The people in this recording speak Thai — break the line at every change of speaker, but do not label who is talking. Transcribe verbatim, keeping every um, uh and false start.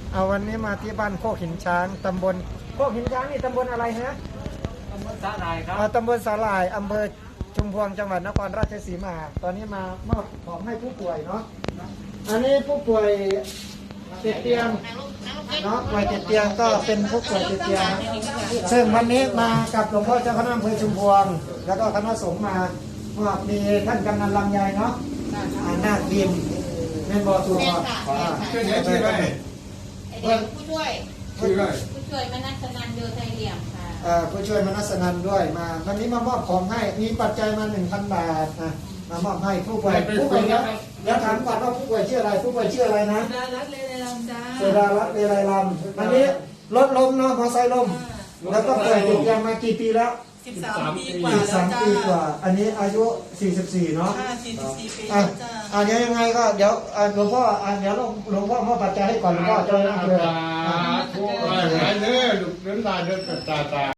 เอาวันนี้มาที่บ้านโคกหินช้างตำบลโคกหินช้างนี่ตำบลอะไรฮะ
ตำบลสาหร่ายครับ
อ่าตำบลสาหร่ายอำเภอชุมพวงจังหวัดนครราชสีมา ตอนนี้มามอบของให้ผู้ป่วยเนาะอันนี้ผู้ป่วยติดเตียงเนาะป่วยติดเตียงก็เป็นผู้ป่วยติดเตียงซึ่งวันนี้มากับหลวงพ่อเจ้าคณะอำเภอชุมพวง แล้วก็คณะสงฆ์มาว่ามีท่านกำนันลำไยเนาะอ่านาคบินแม่นบอตัวอ่า
ชื่อไหนชื่ออะไร
ไอเด็กผู้ช่วย
ชื่ออะไร
ผู้ช่วยมนัสนันโยไทยเหลี่ยมค่ะ
เอ่อผู้ช่วยมนัสนันด้วยมาวันนี้มามอบของให้มีปัจจัยมาหนึ่งพันบาทนะมามอบให้ผู้ป่วยผู้ป่วยแล้วแล้วถามก่อนว่าผู้ป่วยชื่ออะไรผู้ป่วยชื่ออะไรนะ
ดารัตเลไลลำจ้า
เสดารัตน์เวไลลำวันนี้รถล้มเนาะมอไซค์ล้มแล้วก็ป่วยติดเตียงมากี่ปีแล้ว
สิบสามปีกว่า
สิบ
แล้ว
สาม
จ้า
ปีกว่า อันนี้อายุสี่สิบสี่เนาะ
ห้าสี่สิบสี่ปี
อ่ะ
แล้วจ้า
อ่ะเดี๋ยวยังไงก็เดี๋ยวอ่ะหลวงพ่ออ่ะเดี๋ยวหลวงพ่อมอบปัจจัยให้ก่อนหลวงพ่อเจ้าหน้าที่
ทุกข์อะไรเนื้อลูกน้ำตาเดือดตาตา